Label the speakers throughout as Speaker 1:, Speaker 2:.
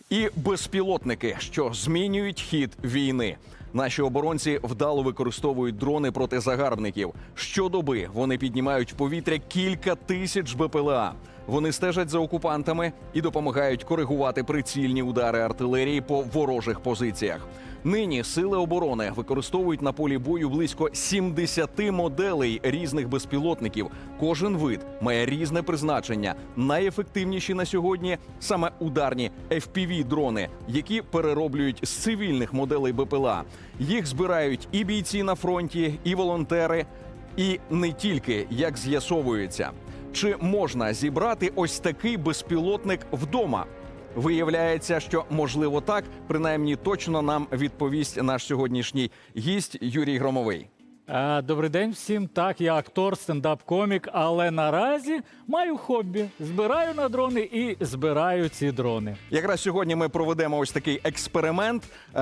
Speaker 1: І безпілотники, що змінюють хід війни. Наші оборонці вдало використовують дрони проти загарбників. Щодоби вони піднімають в повітря кілька тисяч БПЛА. Вони стежать за окупантами і допомагають коригувати прицільні удари артилерії по ворожих позиціях. Нині сили оборони використовують на полі бою близько 70 моделей різних безпілотників. Кожен вид має різне призначення. Найефективніші на сьогодні саме ударні FPV-дрони, які перероблюють з цивільних моделей БПЛА. Їх збирають і бійці на фронті, і волонтери, і не тільки, як з'ясовується. Чи можна зібрати ось такий безпілотник вдома? Виявляється, що можливо так, принаймні точно нам відповість наш сьогоднішній гість Юрій Громовий.
Speaker 2: Добрий день всім. Так, я актор, стендап-комік, але наразі маю хобі. Збираю на дрони і збираю ці дрони.
Speaker 1: Якраз сьогодні ми проведемо ось такий експеримент.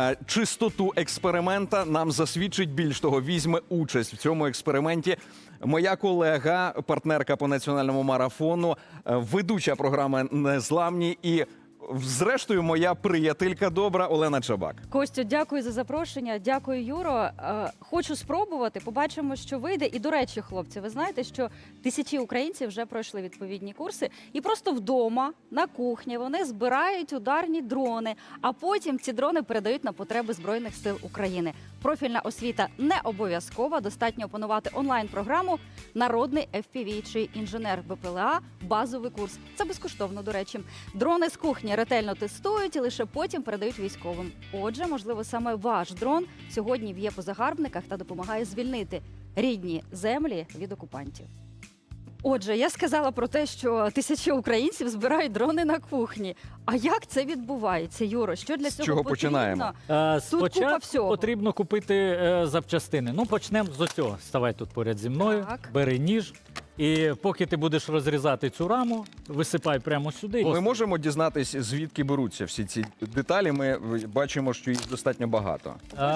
Speaker 1: Чистоту експеримента нам засвідчить, більш того, візьме участь в цьому експерименті моя колега, партнерка по національному марафону, ведуча програми «Незламні» і зрештою, моя приятелька добра Олена Чабак.
Speaker 3: Костю, дякую за запрошення. Дякую, Юро. Хочу спробувати. Побачимо, що вийде. І, до речі, хлопці, ви знаєте, що тисячі українців вже пройшли відповідні курси. І просто вдома, на кухні, вони збирають ударні дрони, а потім ці дрони передають на потреби Збройних сил України. Профільна освіта не обов'язкова. Достатньо опанувати онлайн-програму «Народний FPV» чи «Інженер БПЛА» базовий курс. Це безкоштовно, до речі. Дрони з кухні ретельно тестують і лише потім передають військовим. Отже, можливо, саме ваш дрон сьогодні в'є по загарбниках та допомагає звільнити рідні землі від окупантів. Отже, я сказала про те, що тисячі українців збирають дрони на кухні. А як це відбувається, Юро? Що для цього
Speaker 1: чого
Speaker 3: потрібно?
Speaker 1: починаємо?
Speaker 3: купа
Speaker 2: Спочатку
Speaker 3: всього.
Speaker 2: потрібно купити запчастини. Ну, почнемо з цього. Ставай тут поряд зі мною,
Speaker 3: Так.
Speaker 2: бери ніж. І поки ти будеш розрізати цю раму, висипай прямо сюди.
Speaker 1: Ми можемо дізнатись, звідки беруться всі ці деталі. Ми бачимо, що їх достатньо багато.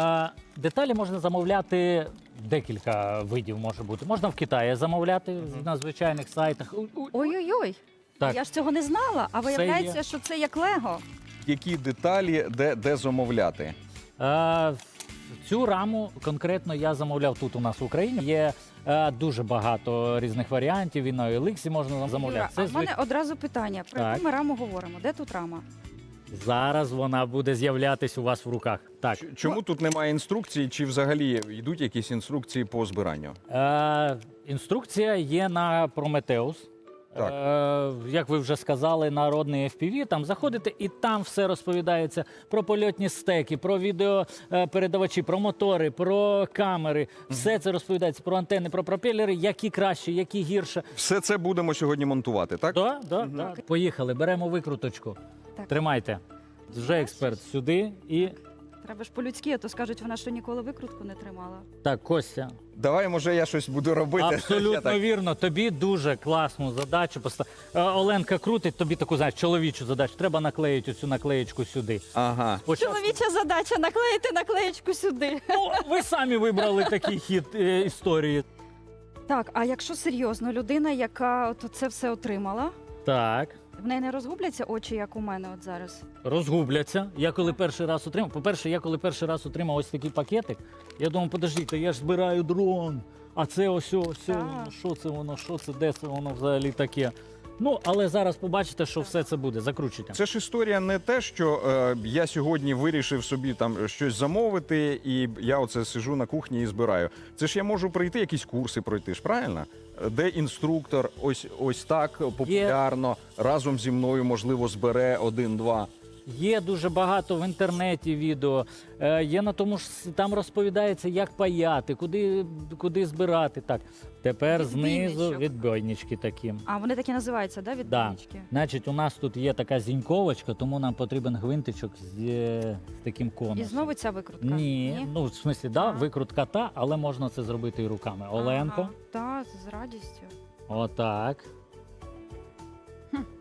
Speaker 2: Деталі можна замовляти, декілька видів може бути. Можна в Китаї замовляти на звичайних сайтах.
Speaker 3: Ой-ой-ой,
Speaker 2: Так.
Speaker 3: я ж цього не знала, а виявляється,
Speaker 2: є.
Speaker 3: що це як Лего.
Speaker 1: Які деталі, де замовляти?
Speaker 2: Цю раму конкретно я замовляв тут у нас в Україні. Є дуже багато різних варіантів, і на OLX можна замовляти.
Speaker 3: Юра, а в мене одразу питання. Про
Speaker 2: Так.
Speaker 3: яку ми раму говоримо? Де тут рама?
Speaker 2: Зараз вона буде з'являтись у вас в руках. Так.
Speaker 1: Чому тут немає інструкції, чи взагалі йдуть якісь інструкції по збиранню?
Speaker 2: Інструкція є на Prometheus. Як ви вже сказали, народний FPV, там заходите і там все розповідається про польотні стеки, про відеопередавачі, про мотори, про камери. Все це розповідається про антени, про пропелери, які краще, які гірше.
Speaker 1: Все це будемо сьогодні монтувати, так?
Speaker 2: Да. Поїхали, беремо викруточку.
Speaker 3: Так.
Speaker 2: Тримайте. Вже експерт сюди і...
Speaker 3: Треба ж по-людськи, а то скажуть, вона що ніколи викрутку не тримала.
Speaker 2: Так, Костя.
Speaker 1: Давай, може, я щось буду робити. Я
Speaker 2: Абсолютно
Speaker 1: так.
Speaker 2: вірно. Тобі дуже класну задачу. Оленка крутить, тобі таку, знаєш, чоловічу задачу. Треба наклеїти оцю наклеєчку сюди.
Speaker 1: Ага.
Speaker 3: Чоловіча задача наклеїти наклеєчку сюди.
Speaker 2: Ну, ви самі вибрали такий хід історії.
Speaker 3: Так, а якщо серйозно, людина, яка от це все отримала,
Speaker 2: Так,
Speaker 3: в неї не розгубляться очі, як у мене от зараз?
Speaker 2: розгубляться. Я коли перший раз отримав, по-перше, я коли перший раз отримав ось такий пакетик, я думав, подождіть, я ж збираю дрон, а це ось,
Speaker 3: Так.
Speaker 2: що це, де це воно взагалі таке. Ну, але зараз побачите, що все це буде, закручуйте.
Speaker 1: Це ж історія не те, що я сьогодні вирішив собі там щось замовити, і я оце сижу на кухні і збираю. Це ж я можу пройти, якісь курси пройти, ж правильно? Де інструктор ось так популярно, разом зі мною, можливо, збере 1-2.
Speaker 2: Є дуже багато в інтернеті відео, є на тому ж, там розповідається, як паяти, куди збирати. Так, тепер знизу
Speaker 3: Відбійничок.
Speaker 2: відбойнички такі.
Speaker 3: А вони такі називаються, да,
Speaker 2: Да.
Speaker 3: відбійнички?
Speaker 2: Значить, у нас тут є така зіньковочка, тому нам потрібен гвинтичок з таким конусом.
Speaker 3: І знову ця викрутка?
Speaker 2: Ні, ну, в смислі, да, викрутка та, але можна це зробити і руками. Оленко,
Speaker 3: Так, з радістю.
Speaker 2: отак.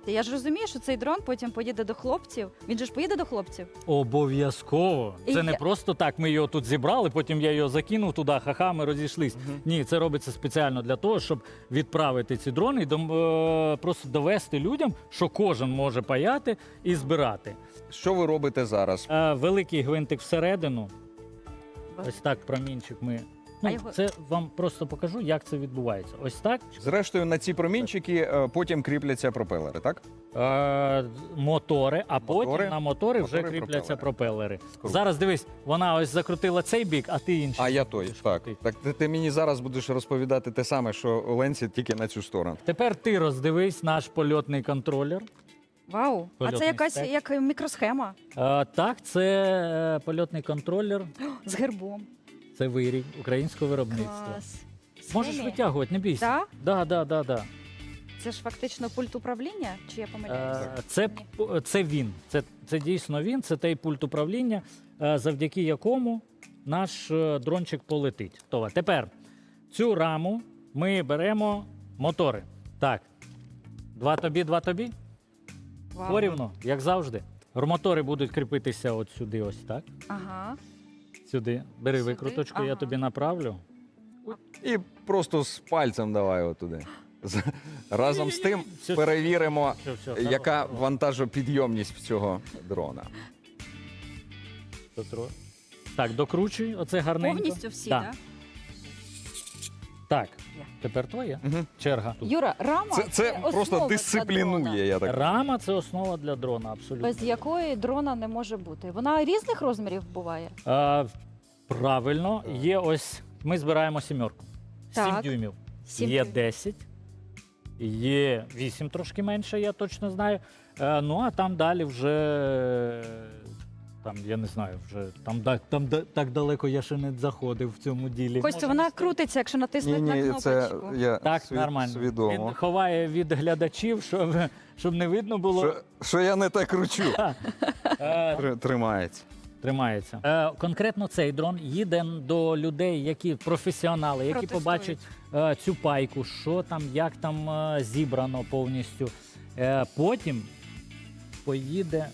Speaker 3: Я ж розумію, що цей дрон потім поїде до хлопців. Він же ж поїде до хлопців.
Speaker 2: Обов'язково.
Speaker 3: І
Speaker 2: Це не
Speaker 3: я-
Speaker 2: просто так, ми його тут зібрали, потім я його закинув туди, ха-ха, ми розійшлись. Ні, це робиться спеціально для того, щоб відправити ці дрони і просто довести людям, що кожен може паяти і збирати.
Speaker 1: Що ви робите зараз?
Speaker 2: Великий гвинтик всередину. Ось так промінчик ми.
Speaker 3: А
Speaker 2: Ну,
Speaker 3: його-
Speaker 2: це вам просто покажу, як це відбувається. Ось так.
Speaker 1: Зрештою, на ці промінчики потім кріпляться пропелери, так?
Speaker 2: Мотори, а потім
Speaker 1: Мотори?
Speaker 2: на мотори вже
Speaker 1: Мотори,
Speaker 2: кріпляться пропелери.
Speaker 1: Круто.
Speaker 2: Зараз дивись, вона ось закрутила цей бік, а ти інший.
Speaker 1: А я той. Так. Так ти мені зараз будеш розповідати те саме, що Оленці, тільки на цю сторону.
Speaker 2: Тепер ти роздивись наш польотний контролер.
Speaker 3: Вау! А
Speaker 2: Польотний
Speaker 3: це якась
Speaker 2: стек.
Speaker 3: як мікросхема
Speaker 2: Так, це польотний контролер,
Speaker 3: з гербом.
Speaker 2: це вирій українського виробництва.
Speaker 3: Клас.
Speaker 2: Можеш
Speaker 3: Схемі?
Speaker 2: витягувати, не бійся.
Speaker 3: Так?
Speaker 2: Да.
Speaker 3: Це ж фактично пульт управління, чи я помиляюся?
Speaker 2: Це він. Це дійсно він, це той пульт управління, завдяки якому наш дрончик полетить. Готово. Тепер цю раму ми беремо мотори. Так. Два тобі.
Speaker 3: Вау.
Speaker 2: Порівну, як завжди. Мотори будуть кріпитися от сюди, ось так.
Speaker 3: Ага.
Speaker 2: Сюди. Бери
Speaker 3: Сюди?
Speaker 2: викруточку, я
Speaker 3: Ага.
Speaker 2: тобі направлю.
Speaker 1: І просто з пальцем давай отуди. Разом з тим
Speaker 2: Все.
Speaker 1: перевіримо,
Speaker 2: Все,
Speaker 1: яка вантажопідйомність в цього дрона.
Speaker 2: Так, докручуй, оце гарненько.
Speaker 3: Повністю всі,
Speaker 2: Да.
Speaker 3: так?
Speaker 2: Так,
Speaker 3: Є.
Speaker 2: тепер твоя
Speaker 1: Мгм.
Speaker 2: черга.
Speaker 3: Юра, рама
Speaker 1: Це
Speaker 3: основа
Speaker 1: просто
Speaker 3: для
Speaker 1: дисциплінує,
Speaker 3: дрона,
Speaker 1: я так.
Speaker 2: Рама це основа для дрона, абсолютно.
Speaker 3: без якої дрона не може бути. Вона різних розмірів буває.
Speaker 2: Правильно, є ось. Ми збираємо сімерку. 7
Speaker 3: Так.
Speaker 2: дюймів.
Speaker 3: 7
Speaker 2: Є
Speaker 3: дюймів.
Speaker 2: 10, є 8 трошки менше, я точно знаю. Ну а там далі вже. Там, я не знаю, вже так далеко я ще не заходив в цьому ділі.
Speaker 3: Костю, вона крутиться, якщо натиснути на
Speaker 1: Ні, це
Speaker 3: кнопочку.
Speaker 1: я
Speaker 2: Так, нормально.
Speaker 1: свідомо.
Speaker 2: Він ховає від глядачів, щоб не видно було.
Speaker 1: Що я не так кручу. Тримається.
Speaker 2: Тримається. Конкретно цей дрон їде до людей, які професіонали, які
Speaker 3: Протестують.
Speaker 2: побачать цю пайку, що там, як там зібрано повністю. Потім поїде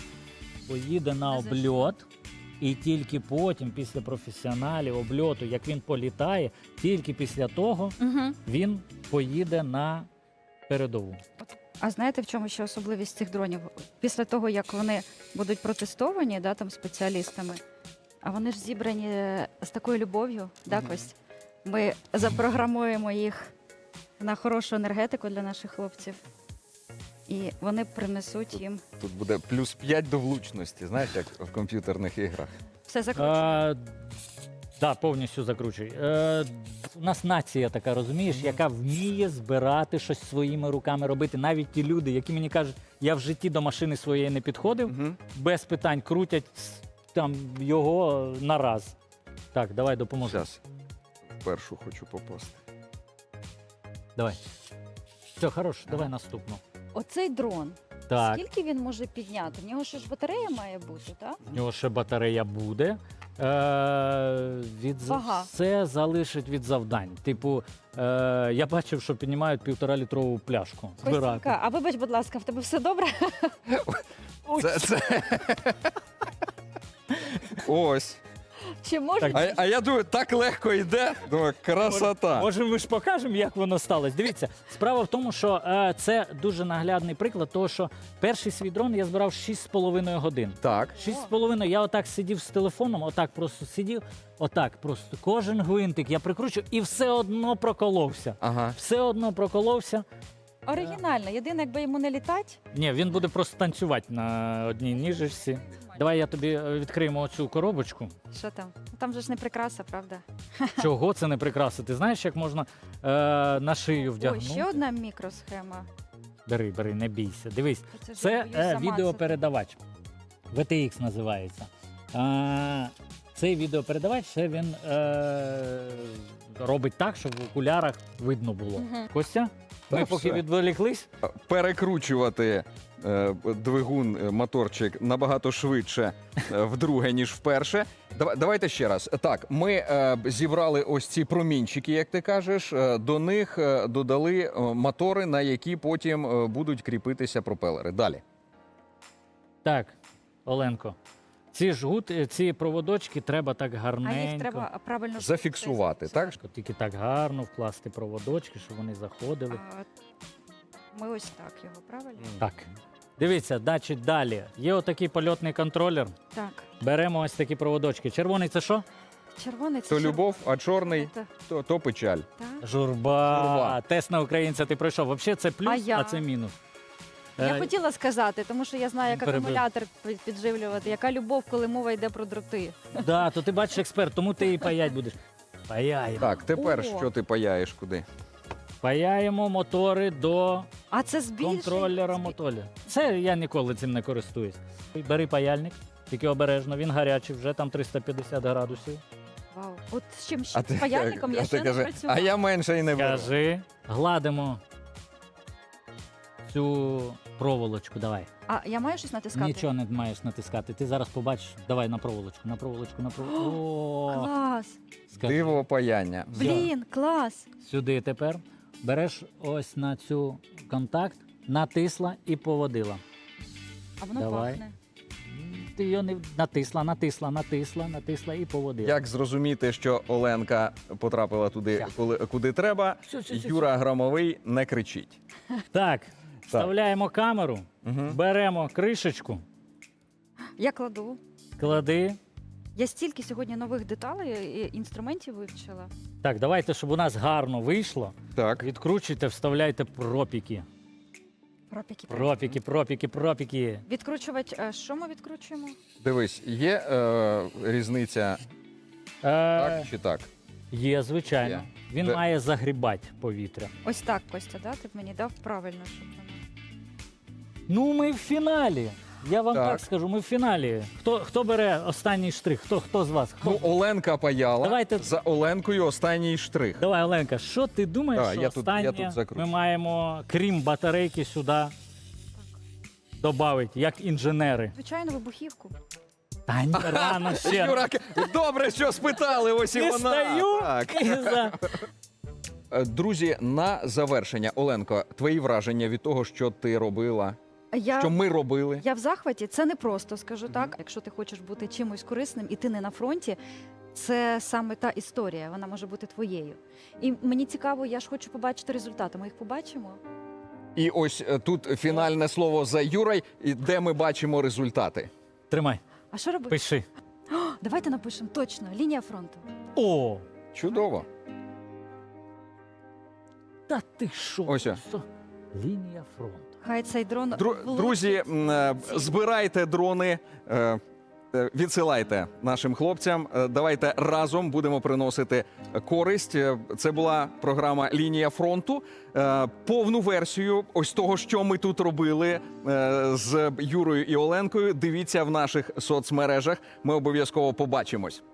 Speaker 2: на обльот, і тільки потім, після професіоналів обльоту, як він політає, тільки після того
Speaker 3: Угу.
Speaker 2: він поїде на передову.
Speaker 3: А знаєте, в чому ще особливість цих дронів? Після того, як вони будуть протестовані, да, там спеціалістами, а вони ж зібрані з такою любов'ю, да,
Speaker 1: Мгм.
Speaker 3: Кость? Ми запрограмуємо їх на хорошу енергетику для наших хлопців, і вони принесуть їм
Speaker 1: Тут буде плюс 5 до влучності, знаєш, як в комп'ютерних іграх.
Speaker 3: все закручено.
Speaker 2: Так, повністю закручуй. У нас нація така, розумієш, яка вміє збирати щось своїми руками робити. Навіть ті люди, які мені кажуть, я в житті до машини своєї не підходив, без питань крутять там його на раз. Так, давай допоможу.
Speaker 1: Зараз першу хочу попасти.
Speaker 2: Давай. Все, хорош, давай наступну.
Speaker 3: Оцей дрон,
Speaker 2: Так,
Speaker 3: скільки він може підняти? В нього ще ж батарея має бути, так?
Speaker 2: в нього ще батарея буде.
Speaker 3: Вага.
Speaker 2: Все залишить від завдань. Типу, я бачив, що піднімають 1,5-літрову пляшку. Збирати.
Speaker 3: Костянька, а вибач, будь ласка, в тебе все добре?
Speaker 1: Це... Ось.
Speaker 3: Чи може?
Speaker 1: А я думаю, так легко йде. Думаю, красота.
Speaker 2: Може, ми ж покажемо, як воно сталося. Дивіться, справа в тому, що це дуже наглядний приклад, того, що перший свій дрон я збирав 6,5 годин.
Speaker 1: Так.
Speaker 2: 6,5 я отак сидів з телефоном, отак просто сидів, отак просто кожен гвинтик я прикручу і все одно проколовся.
Speaker 1: Ага.
Speaker 2: Все одно проколовся.
Speaker 3: Оригінально. Єдине, якби йому не літати,
Speaker 2: Ні, він буде просто танцювати на одній ніжечці. Давай я тобі відкриємо оцю коробочку.
Speaker 3: що там? Там же ж не прикраса, правда?
Speaker 2: Чого це не прикрасити? Знаєш, як можна на шию
Speaker 3: Ой,
Speaker 2: вдягнути?
Speaker 3: ще одна мікросхема.
Speaker 2: Бери, не бійся. Дивись,
Speaker 3: Це ж
Speaker 2: це
Speaker 3: я боюсь замацати.
Speaker 2: відеопередавач. VTX називається. Цей відеопередавач це він робить так, щоб в окулярах видно було.
Speaker 3: Мгм.
Speaker 2: Костя, Ми
Speaker 1: Та
Speaker 2: поки
Speaker 1: все.
Speaker 2: відволіклись.
Speaker 1: Перекручувати двигун, моторчик набагато швидше вдруге, ніж вперше. Давайте ще раз. Так, ми зібрали ось ці промінчики, як ти кажеш. До них додали мотори, на які потім будуть кріпитися пропелери. Далі.
Speaker 2: Так, Оленко. Ці проводочки треба так
Speaker 3: А
Speaker 2: гарненько.
Speaker 3: їх треба правильно
Speaker 1: Зафіксувати, так?
Speaker 2: Тільки так гарно вкласти проводочки, щоб вони заходили.
Speaker 3: Ми ось так його, правильно?
Speaker 2: Так. Дивіться, значить, далі. Є отакий польотний контролер.
Speaker 3: Так.
Speaker 2: Беремо ось такі проводочки. Червоний це що?
Speaker 3: Червоний це
Speaker 1: То любов, а чорний
Speaker 3: Та-
Speaker 1: то печаль.
Speaker 3: та.
Speaker 2: Журба.
Speaker 1: Журба.
Speaker 2: Тест на українця ти пройшов. Взагалі це плюс,
Speaker 3: А я?
Speaker 2: це мінус.
Speaker 3: Я
Speaker 2: Е,
Speaker 3: хотіла сказати, тому що я знаю, як
Speaker 2: Перебив.
Speaker 3: акумулятор підживлювати, яка любов, коли мова йде про дроти.
Speaker 2: Да, то ти бачиш експерт, тому ти і паять будеш. Паяємо.
Speaker 1: Так, тепер
Speaker 3: О.
Speaker 1: що ти паяєш куди?
Speaker 2: Паяємо мотори до
Speaker 3: А це збільшує?
Speaker 2: контролера моторя. Це я ніколи цим не користуюсь. Бери паяльник, тільки обережно, він гарячий, вже там 350 градусів.
Speaker 3: Вау. От з чим ще? З паяльником я
Speaker 1: а
Speaker 3: ще
Speaker 1: ти
Speaker 3: не
Speaker 1: кажи,
Speaker 3: працювала.
Speaker 1: а я менше і не беру.
Speaker 2: Кажи, гладимо цю проволочку, давай.
Speaker 3: А я маю щось натискати?
Speaker 2: Нічого не маєш натискати. Ти зараз побачиш. Давай на проволочку, на проволочку, на проволочку. О,
Speaker 3: Клас!
Speaker 2: скажи.
Speaker 1: Диво паяння.
Speaker 3: Блін, клас!
Speaker 2: Сюди тепер береш ось на цю контакт, натисла і поводила.
Speaker 3: А воно
Speaker 2: Давай.
Speaker 3: пахне.
Speaker 2: Ти його не натисла і поводила.
Speaker 1: Як зрозуміти, що Оленка потрапила туди,
Speaker 2: Ща.
Speaker 1: куди треба?
Speaker 2: Все.
Speaker 1: Юра Громовий не кричить.
Speaker 2: Так, вставляємо камеру,
Speaker 1: Угу.
Speaker 2: беремо кришечку,
Speaker 3: Я кладу.
Speaker 2: клади.
Speaker 3: Я стільки сьогодні нових деталей і інструментів вивчила.
Speaker 2: Так, давайте, щоб у нас гарно вийшло.
Speaker 1: Так.
Speaker 2: Відкручуйте, вставляйте пропіки. Пропіки.
Speaker 3: Відкручувач, що ми відкручуємо?
Speaker 1: Дивись, є різниця так чи так?
Speaker 2: Є, звичайно.
Speaker 1: Є.
Speaker 2: Він
Speaker 1: Де-
Speaker 2: має загрібати повітря.
Speaker 3: Ось так, Костя, да? Ти б мені дав правильно, щоб воно.
Speaker 2: Ну, ми в фіналі. Я вам так,
Speaker 1: Так.
Speaker 2: скажу, ми в фіналі. Хто бере останній штрих? Хто з вас? Хто?
Speaker 1: Ну, Оленка паяла.
Speaker 2: Давайте-
Speaker 1: За Оленкою останній штрих.
Speaker 2: Давай, Оленка, що ти думаєш,
Speaker 1: А,
Speaker 2: що
Speaker 1: я тут
Speaker 2: останнє
Speaker 1: закручу.
Speaker 2: ми маємо, крім батарейки, сюди додати, як інженери?
Speaker 3: Звичайно, вибухівку.
Speaker 2: Та ні, рано ще.
Speaker 1: Юра, добре, що спитали, ось і
Speaker 2: Не
Speaker 1: вона.
Speaker 2: стаю.
Speaker 1: Так.
Speaker 2: І за-
Speaker 1: Друзі, на завершення, Оленко, твої враження від того, що ти робила, що ми робили?
Speaker 3: Я в захваті, це не просто, скажу так. Якщо ти хочеш бути чимось корисним і ти не на фронті, це саме та історія, вона може бути твоєю. І мені цікаво, я ж хочу побачити результати. Ми їх побачимо.
Speaker 1: І ось тут фінальне слово за Юрой, і де ми бачимо результати.
Speaker 2: Тримай,
Speaker 3: А що робити?
Speaker 2: пиши.
Speaker 3: Давайте напишемо точно лінія фронту.
Speaker 2: О,
Speaker 1: Чудово.
Speaker 2: та ти що?
Speaker 1: Ось о.
Speaker 2: Просто лінія фронту.
Speaker 3: Хай цей дрон
Speaker 1: Друзі, збирайте дрони, відсилайте нашим хлопцям. Давайте разом будемо приносити користь. Це була програма «Лінія фронту». Повну версію ось того, що ми тут робили з Юрою і Оленкою, дивіться в наших соцмережах. Ми обов'язково побачимось.